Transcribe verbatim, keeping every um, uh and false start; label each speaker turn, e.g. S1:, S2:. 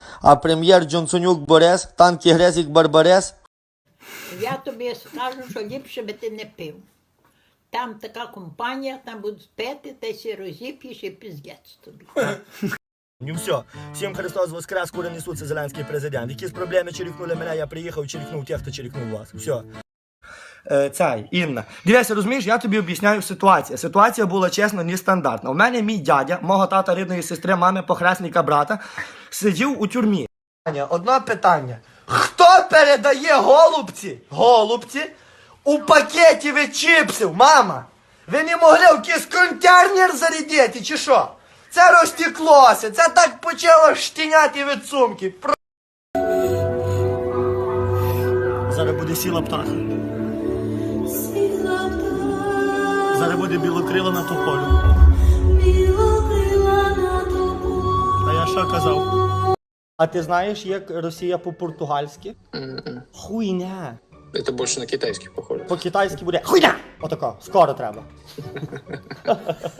S1: А прем'єр Джонсонюк Борис, танки Грезік Барбарес.
S2: Я тобі скажу, що ліпше би ти не пив. Там така компанія, там будуть пити, ти сі розіп'єш і піздець тобі.
S1: Ну все, всім Христос воскрес, кури несуться зеленський президент. Якісь проблеми черікнули мене, я приїхав, черікнув тих, хто черікнув вас. Все. Е, цей, Інна. Дивися, розумієш, я тобі об'ясняю ситуацію. Ситуація була, чесно, нестандартна. У мене мій дядя, мого тата рідної сестри, мами, похресника брата, сидів у тюрмі. Одне питання. Хто передає голубці, голубці, у пакеті від чіпсів, мама? Ви не могли в якийсь контейнер зарядити, чи що? Це розтеклося, це так почало штіняти від сумки. Зараз буде сіла птаха. Зараз буде білокрила на тополю. А я що казав? А ти знаєш, як Росія по-португальськи?
S3: М-м.
S1: Хуйня.
S3: Это больше на китайский похоже.
S1: По-китайськи буде хуйня. Отако, скоро треба.